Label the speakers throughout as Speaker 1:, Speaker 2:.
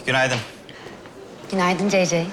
Speaker 1: günaydın.
Speaker 2: Günaydın CC.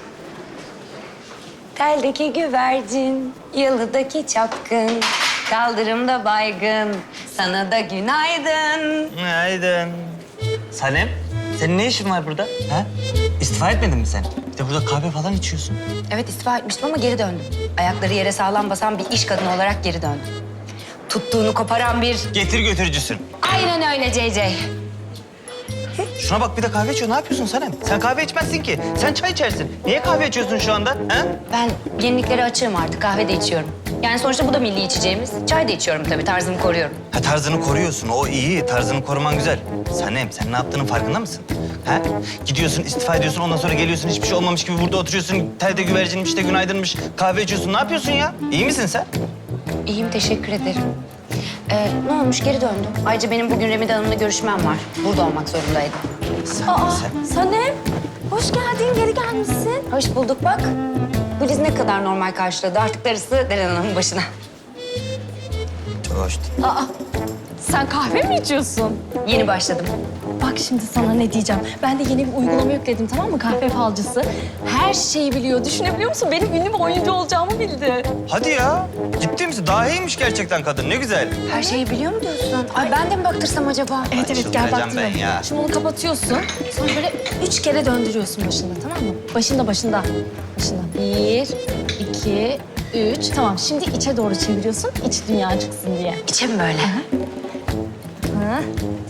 Speaker 2: Teldeki güvercin, yalıdaki çapkın, kaldırımda baygın, sana da günaydın.
Speaker 1: Günaydın. Sanem, senin ne işin var burada? Ha? İstifa etmedin mi sen? Bir de burada kahve falan içiyorsun.
Speaker 2: Evet istifa etmiştim ama geri döndüm. Ayakları yere sağlam basan bir iş kadını olarak geri döndüm. Tuttuğunu koparan bir...
Speaker 1: Getir götürücüsün.
Speaker 2: Aynen öyle CC.
Speaker 1: Şuna bak bir de kahve içiyor. Ne yapıyorsun Sanem? Sen kahve içmezsin ki. Sen çay içersin. Niye kahve içiyorsun şu anda? Ha?
Speaker 2: Ben yeniliklere açığım artık, kahve de içiyorum. Yani sonuçta bu da milli içeceğimiz. Çay da içiyorum tabii, tarzımı koruyorum.
Speaker 1: Ha, tarzını koruyorsun. O iyi. Tarzını koruman güzel. Sanem, sen ne yaptığının farkında mısın? Ha? Gidiyorsun, istifa ediyorsun. Ondan sonra geliyorsun. Hiçbir şey olmamış gibi burada oturuyorsun. Telde güvercinmiş de günaydınmış. Kahve içiyorsun. Ne yapıyorsun ya? İyi misin sen?
Speaker 2: İyiyim, teşekkür ederim. Ne olmuş, geri döndüm. Ayrıca benim bugün Remide Hanım'la görüşmem var. Burada olmak zorundaydım.
Speaker 1: Sen.
Speaker 2: Sanem, hoş geldin, geri gelmişsin. Hoş bulduk bak. Güliz ne kadar normal karşıladı. Artık darısı Deren Hanım'ın başına.
Speaker 1: Çok hoştu.
Speaker 3: Sen kahve mi içiyorsun?
Speaker 2: Yeni başladım.
Speaker 3: Bak şimdi sana ne diyeceğim. Ben de yeni bir uygulama yükledim, tamam mı? Kahve falcısı. Her şeyi biliyor. Düşünebiliyor musun? Benim ünlü bir oyuncu olacağımı bildi.
Speaker 1: Hadi ya. Ciddi misin? Daha iyiymiş gerçekten kadın. Ne güzel.
Speaker 2: Her şeyi biliyor mu diyorsun? Ay ben de mi baktırsam acaba?
Speaker 3: Evet gel
Speaker 1: çıldıracağım
Speaker 3: baktırıyorum.
Speaker 1: ben ya.
Speaker 3: Şimdi onu kapatıyorsun. Sonra böyle 3 kere döndürüyorsun başında, tamam mı? Başında. Başında. 1, 2, 3. Tamam, şimdi içe doğru çeviriyorsun. İç dünya çıksın diye.
Speaker 2: İçe mi böyle?
Speaker 3: Ha.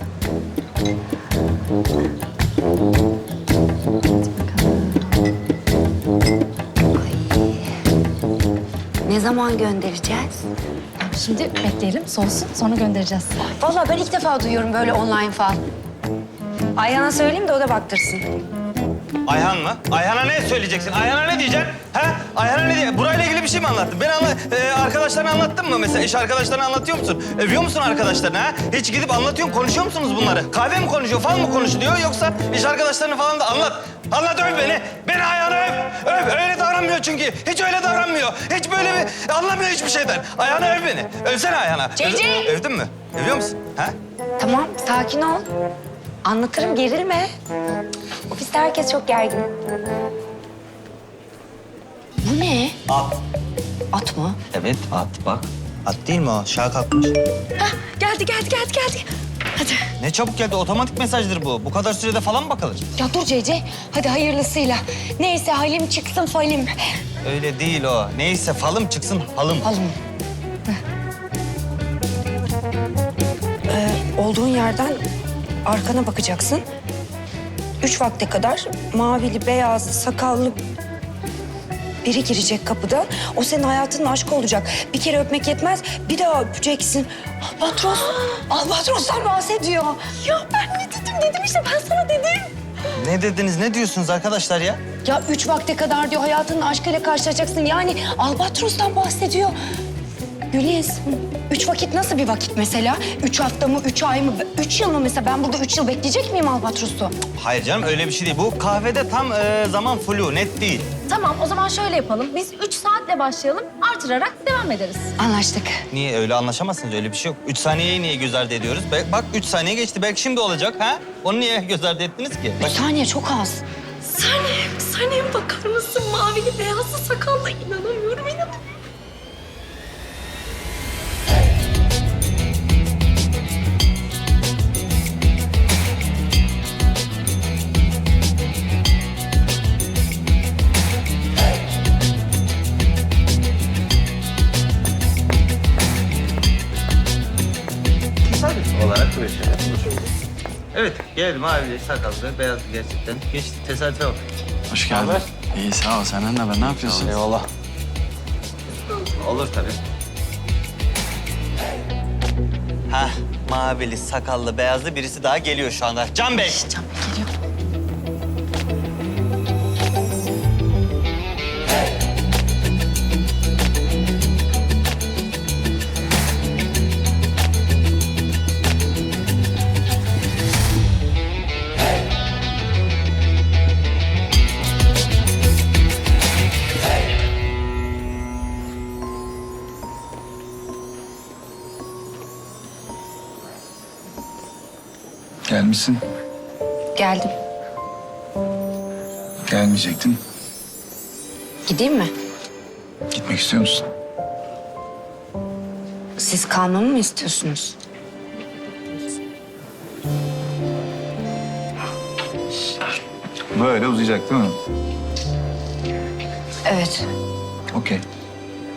Speaker 2: Ne zaman göndereceğiz?
Speaker 3: Şimdi bekleyelim, soğusun. Sonra göndereceğiz.
Speaker 2: Vallahi ben ilk defa duyuyorum böyle online fal. Ayhan'a söyleyeyim de o da baktırsın.
Speaker 1: Ayhan mı? Ayhan'a ne söyleyeceksin? Ayhan'a ne diyeceksin? Ha? Ayhan'a ne diye? Burayla ilgili bir şey mi anlattın? Arkadaşlarına anlattın mı mesela? İş arkadaşlarına anlatıyor musun? Övüyor musun arkadaşlarına ha? Hiç gidip anlatıyor musun? Konuşuyor musunuz bunları? Kahve mi konuşuyor, fal mı konuşuluyor? Yoksa iş arkadaşlarına falan da anlat. Anlat, öv beni. Beni Ayhan'a öv. Öv. Öyle davranmıyor çünkü. Hiç öyle davranmıyor. Hiç böyle bir... Anlamıyor hiçbir şeyden. Ayhan'a öv beni. Övsene Ayhan'a.
Speaker 2: Cici!
Speaker 1: Övdün mü? Övüyor musun? Ha?
Speaker 2: Tamam, sakin ol. Anlatırım, gerilme. Ofiste herkes çok gergin. Bu ne?
Speaker 1: At.
Speaker 2: At mı?
Speaker 1: Evet, at bak. At değil mi o? Şaha kalkmış.
Speaker 3: Geldi. Hadi.
Speaker 1: Ne çabuk geldi. Otomatik mesajdır bu. Bu kadar sürede falan mı bakılır?
Speaker 2: Ya dur CC, hadi hayırlısıyla. Neyse halim çıksın falim.
Speaker 1: Öyle değil o. Neyse falım çıksın halım.
Speaker 2: Halım. Olduğun yerden arkana bakacaksın. 3 vakte kadar mavili, beyazlı, sakallı biri girecek kapıdan. O senin hayatının aşkı olacak. Bir kere öpmek yetmez, bir daha öpeceksin. Albatros, Albatros'tan bahsediyor.
Speaker 3: Ya ben ne dedim işte ben sana dedim.
Speaker 1: Ne dediniz, ne diyorsunuz arkadaşlar ya?
Speaker 2: Ya 3 vakte kadar diyor hayatının aşkıyla karşılaşacaksın. Yani Albatros'tan bahsediyor. Güliz, 3 vakit nasıl bir vakit mesela? 3 hafta mı, 3 ay mı, 3 yıl mı mesela? Ben burada 3 yıl bekleyecek miyim Albatros'u?
Speaker 1: Hayır canım öyle bir şey değil. Bu kahvede tam zaman flu, net değil.
Speaker 3: Tamam o zaman şöyle yapalım. Biz 3 saatle başlayalım, artırarak devam ederiz.
Speaker 2: Anlaştık.
Speaker 1: Niye öyle anlaşamazsınız? Öyle bir şey yok. 3 saniyeyi niye göz ardı ediyoruz? Bak 3 saniye geçti. Belki şimdi olacak ha? Onu niye göz ardı ettiniz ki? Bak,
Speaker 2: 3 saniye çok az.
Speaker 3: Sanem bakar mısın? Mavili beyazlı sakallı inanamıyorum.
Speaker 1: tesadüf olarak böyle şeyler olur. Evet, geldim abi. Sakallı, beyazlı gerçekten. Geçti, tesadüfe bak.
Speaker 4: Hoş geldin.
Speaker 1: Haber?
Speaker 4: İyi sağ ol. Senden ne haber? Ne yapıyorsun?
Speaker 1: Eyvallah. Olur tabii. Hah, mavili, sakallı, beyazlı birisi daha geliyor şu anda. Can Bey.
Speaker 3: Can geliyor.
Speaker 4: Gelmişsin.
Speaker 2: Geldim.
Speaker 5: Gelmeyecektin.
Speaker 2: Gideyim mi?
Speaker 5: Gitmek istiyor musun?
Speaker 2: Siz kalmamı mı istiyorsunuz?
Speaker 5: Böyle uzayacak değil mi?
Speaker 2: Evet.
Speaker 5: Okey.